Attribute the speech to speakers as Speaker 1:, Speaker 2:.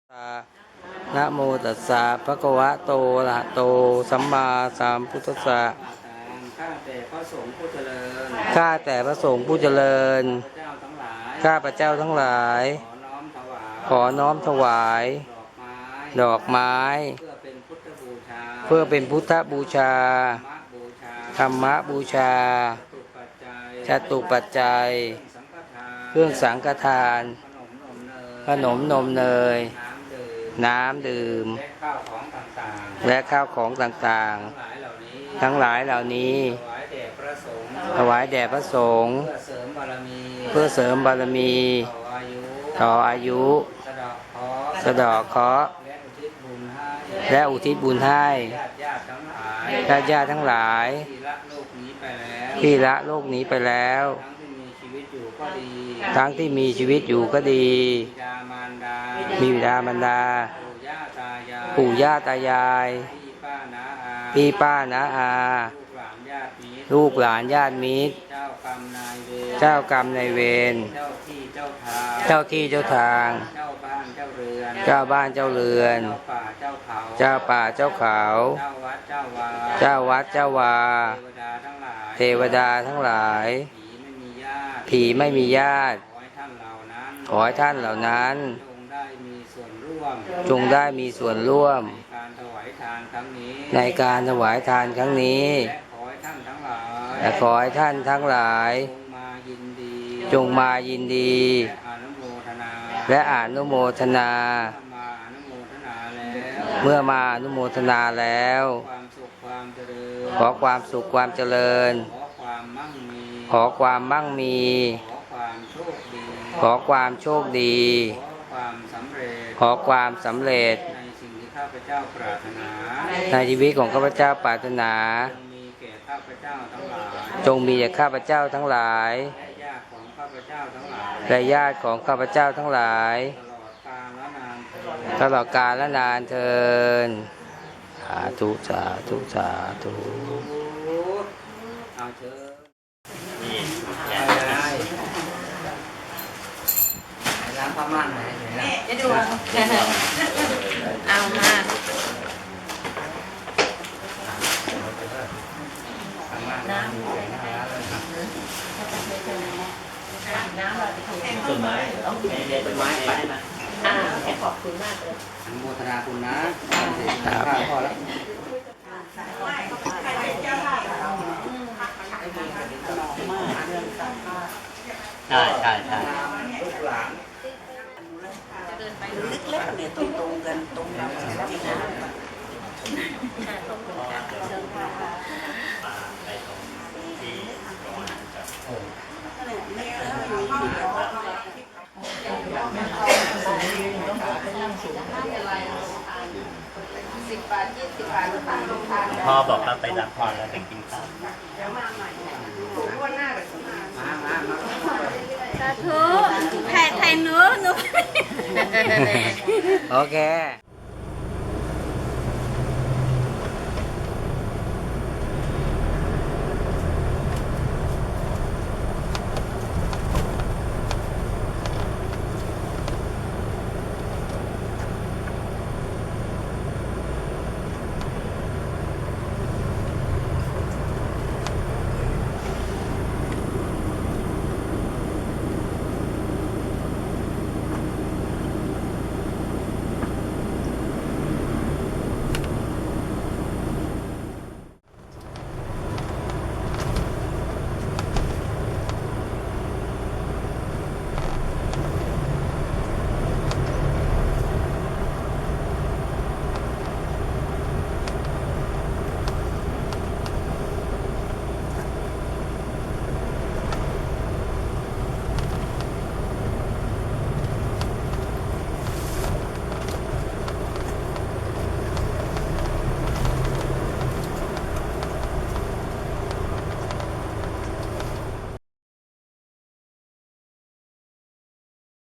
Speaker 1: นะโมตัสสะภะคะวะโตอะระหะโตสัมมาสัมพุทธัสสะ
Speaker 2: ข้าแต่พระสงฆ์ผู้เจริญ
Speaker 1: ข้าแต่พระสงฆ์ผู้เจริญข้าพระเจ้าทั้งหลายขอน้อมถวายดอกไม้เพื่อเป็นพุทธบูชาธรรมบูชาจตุปัจจัยเครื่องสังฆทานขนมนมเนยน้ำดื่มและข้าวของต่างๆทั้งหลายเหล่านี้ถวายแด่พระสงฆ์เพื่อเสริมบารมีต่ออายุสะเดาะเคราะห์และอุทิศบุญให้ญาติทั้งหลายที่ละโลกนี้ไปแล้วทั้งที่มีชีวิตอยู่ก็ดีมีบิดามารดาปู่ย่าตายายพี่ป้าน้าอาลูกหลานญาติมิตรเจ้ากรรมนายเวรเจ้าที่เจ้าทางเจ้าบ้านเจ้าเรือนเจ้าป่าเจ้าเขาเจ้าวัดเจ้าวาเทวดาทั้งหลายผีไม่มีญาติขอให้ท่านเหล่านั้นจงได้มีส่วนร่วมในการถวายทานครั้งนี้และขอให้ท่านทั้งหลายจงมายินดีและอนุโมทนาเมื่อมาอนุโมทนาแล้วขอความสุขความเจริญขอความมั่งมีขอความโชคดีขอความสำเร็จในชีวิตของข้าพเจ้าปรารถนาจงมีแก่ข้าพเจ้าทั้งหลายและญาติของข้าพเจ้าทั้งหลายตลอดกาลและนานเทินสาธุสาธุสาธุ
Speaker 2: ร้านผ้าม่านไหนจะดู
Speaker 3: เอามา
Speaker 2: ต้นไม้ต้นไม้ไปนะ
Speaker 3: ขอบคุณมากเลย
Speaker 2: อนุโมทนาคุณนะข้าวพอแล้วใช่ลูกหลาน
Speaker 3: เล็กๆเนี่ยตรงๆกันตรงเราจริงๆ
Speaker 4: พ่อบอกว่าไปรับพรแล้วไปกินข้าว
Speaker 3: สาธุไทยหนู
Speaker 1: โอเค